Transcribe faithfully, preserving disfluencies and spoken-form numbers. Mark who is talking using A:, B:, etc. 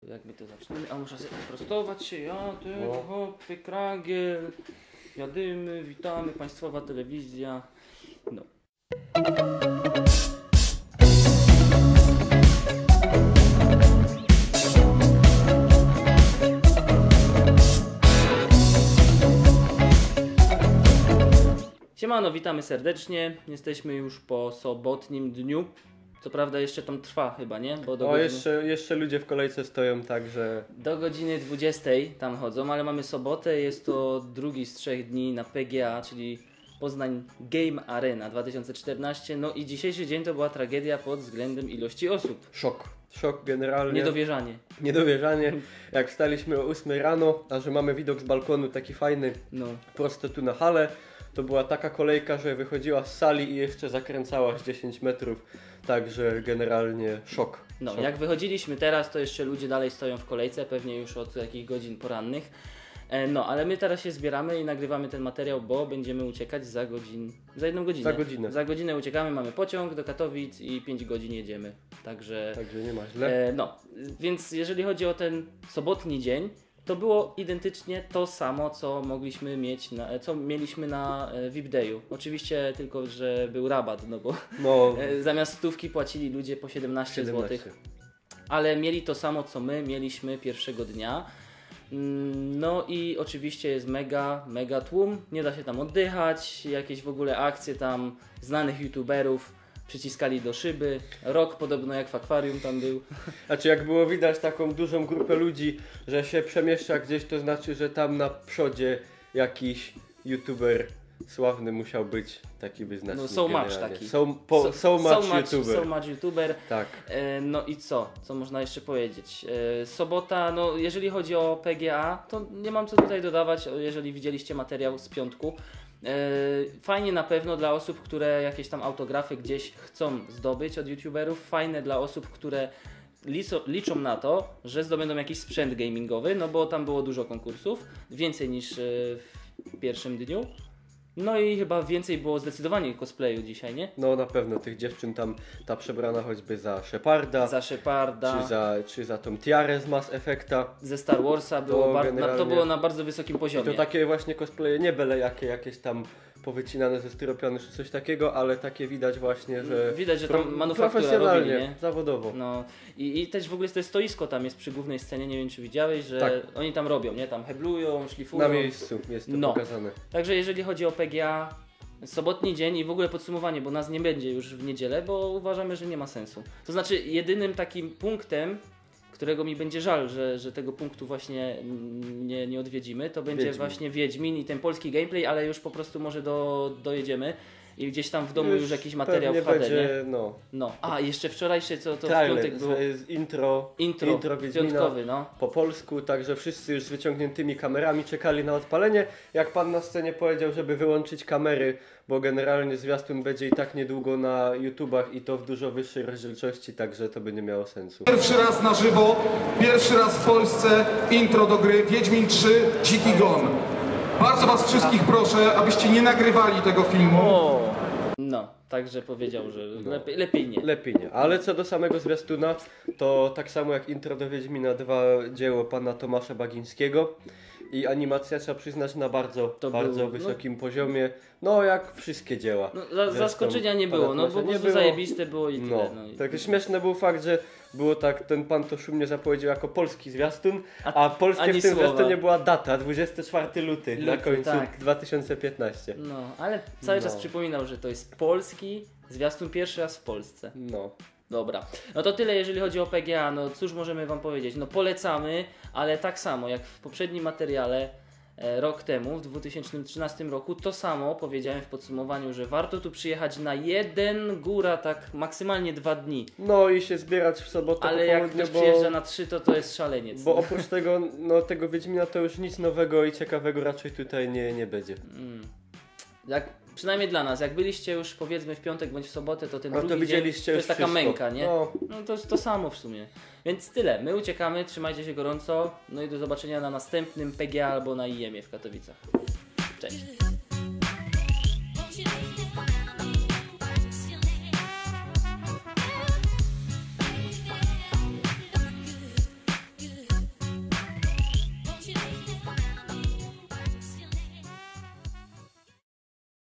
A: jak my to zaczniemy? A muszę sobie prostować się, ja, ty, no. hopy, kragiel, jadymy, witamy, państwowa telewizja, no. Siemano, witamy serdecznie, jesteśmy już po sobotnim dniu. Co prawda jeszcze tam trwa chyba, nie? Bo do
B: o,
A: godziny...
B: jeszcze, jeszcze ludzie w kolejce stoją, także...
A: Do godziny dwudziestej tam chodzą, ale mamy sobotę, jest to drugi z trzech dni na P G A, czyli Poznań Game Arena dwa tysiące czternaście. No i dzisiejszy dzień to była tragedia pod względem ilości osób.
B: Szok. Szok generalnie.
A: Niedowierzanie.
B: Niedowierzanie. Jak wstaliśmy o ósmej rano, a że mamy widok z balkonu taki fajny,
A: no.
B: prosto tu na halę, to była taka kolejka, że wychodziła z sali i jeszcze zakręcała z dziesięć metrów. Także generalnie szok.
A: No,
B: szok.
A: Jak wychodziliśmy teraz, to jeszcze ludzie dalej stoją w kolejce, pewnie już od jakichś godzin porannych. E, no, ale my teraz się zbieramy i nagrywamy ten materiał, bo będziemy uciekać za godzin, za jedną godzinę.
B: Za godzinę.
A: Za godzinę uciekamy, mamy pociąg do Katowic i pięć godzin jedziemy. Także,
B: Także nie ma źle.
A: E, no, więc jeżeli chodzi o ten sobotni dzień, to było identycznie to samo, co mogliśmy mieć, na, co mieliśmy na V I P Dayu. Oczywiście tylko, że był rabat, no bo
B: No.
A: zamiast stówki płacili ludzie po siedemnaście złotych. Ale mieli to samo, co my mieliśmy pierwszego dnia. No i oczywiście jest mega, mega tłum. Nie da się tam oddychać. Jakieś w ogóle akcje tam znanych youtuberów przyciskali do szyby. Rok podobno jak w akwarium tam był.
B: Znaczy jak było widać taką dużą grupę ludzi, że się przemieszcza gdzieś, to znaczy, że tam na przodzie jakiś youtuber sławny musiał być, taki wyznacznik.
A: No so much taki.
B: So, po, so, so, much,
A: so much
B: YouTuber.
A: So much YouTuber.
B: Tak.
A: E, no i co? Co można jeszcze powiedzieć? E, sobota, no jeżeli chodzi o P G A, to nie mam co tutaj dodawać, jeżeli widzieliście materiał z piątku. E, fajnie na pewno dla osób, które jakieś tam autografy gdzieś chcą zdobyć od YouTuberów. Fajne dla osób, które liczą, liczą na to, że zdobędą jakiś sprzęt gamingowy, no bo tam było dużo konkursów, więcej niż e, w pierwszym dniu. No i chyba więcej było zdecydowanie cosplayu dzisiaj, nie?
B: No na pewno tych dziewczyn tam, ta przebrana choćby za Sheparda.
A: Za Sheparda.
B: Czy za, czy za tą tiarę z Mass Effecta.
A: Ze Star Warsa było,
B: to,
A: bar-
B: generalnie...
A: na, to było na bardzo wysokim poziomie.
B: I to takie właśnie cosplaye, nie byle jakie, jakieś tam powycinane ze styropianu czy coś takiego, ale takie widać właśnie, że...
A: Widać, że tam
B: pro-
A: manufaktura
B: profesjonalnie,
A: robili, nie?
B: zawodowo.
A: No i, i też w ogóle to stoisko tam jest przy głównej scenie, nie wiem czy widziałeś, że
B: tak.
A: oni tam robią, nie? Tam heblują, szlifują.
B: Na miejscu jest to
A: no.
B: pokazane.
A: Także jeżeli chodzi o P G A, sobotni dzień i w ogóle podsumowanie, bo nas nie będzie już w niedzielę, bo uważamy, że nie ma sensu. To znaczy jedynym takim punktem, którego mi będzie żal, że, że tego punktu właśnie nie, nie odwiedzimy, to będzie
B: Wiedźmin.
A: właśnie Wiedźmin i ten polski gameplay, ale już po prostu może do, dojedziemy i gdzieś tam w domu już, już jakiś materiał w H D,
B: będzie,
A: nie?
B: No.
A: no. A, jeszcze wczorajsze, co to
B: Trailer,
A: w piątek było?
B: z intro,
A: Intro,
B: intro Wiedźmina
A: piątkowy, no.
B: po polsku, także wszyscy już z wyciągniętymi kamerami czekali na odpalenie. Jak pan na scenie powiedział, żeby wyłączyć kamery, bo generalnie zwiastun będzie i tak niedługo na YouTubach i to w dużo wyższej rozdzielczości, także to by nie miało sensu.
C: Pierwszy raz na żywo, pierwszy raz w Polsce intro do gry Wiedźmin trzy Dziki Gon. Bardzo was wszystkich proszę, abyście nie nagrywali tego filmu.
A: O, no, także powiedział, że
B: No.
A: lepiej, lepiej nie.
B: Lepiej nie, ale co do samego zwiastuna, to tak samo jak intro do Wiedźmina dwa dzieło pana Tomasza Bagińskiego i animacja, trzeba przyznać, na bardzo,
A: To
B: bardzo
A: był,
B: wysokim no, poziomie, no jak wszystkie dzieła.
A: No, za, zaskoczenia nie było, no bo po prostu zajebiste było i tyle.
B: No,
A: no i...
B: tak śmieszny był fakt, że było tak, ten pan to szumnie zapowiedział jako polski zwiastun, a, a polskie w tym
A: słowa.
B: zwiastunie była data, dwudziestego czwartego lutego na
A: Luty,
B: końcu
A: tak.
B: dwa tysiące piętnastego.
A: No, ale cały
B: No.
A: czas przypominał, że to jest polski zwiastun pierwszy raz w Polsce.
B: No.
A: Dobra, no to tyle jeżeli chodzi o P G A, no cóż możemy wam powiedzieć, no polecamy, ale tak samo jak w poprzednim materiale e, rok temu, w dwa tysiące trzynastym roku, to samo powiedziałem w podsumowaniu, że warto tu przyjechać na jeden, góra tak maksymalnie dwa dni.
B: No i się zbierać w sobotę
A: Ale
B: po
A: jak
B: południu,
A: ktoś
B: bo...
A: przyjeżdża na trzy, to to jest szaleniec.
B: Bo oprócz tego, no tego Wiedźmina to już nic nowego i ciekawego raczej tutaj nie, nie będzie.
A: Mm. Jak, przynajmniej dla nas, jak byliście już powiedzmy w piątek bądź w sobotę, to ten
B: No to
A: drugi dzień
B: widzieliście
A: to
B: już
A: jest taka
B: wszystko.
A: męka, nie?
B: No.
A: No to jest to samo w sumie. Więc tyle, my uciekamy, trzymajcie się gorąco, no i do zobaczenia na następnym P G A albo na I E M ie w Katowicach. Cześć!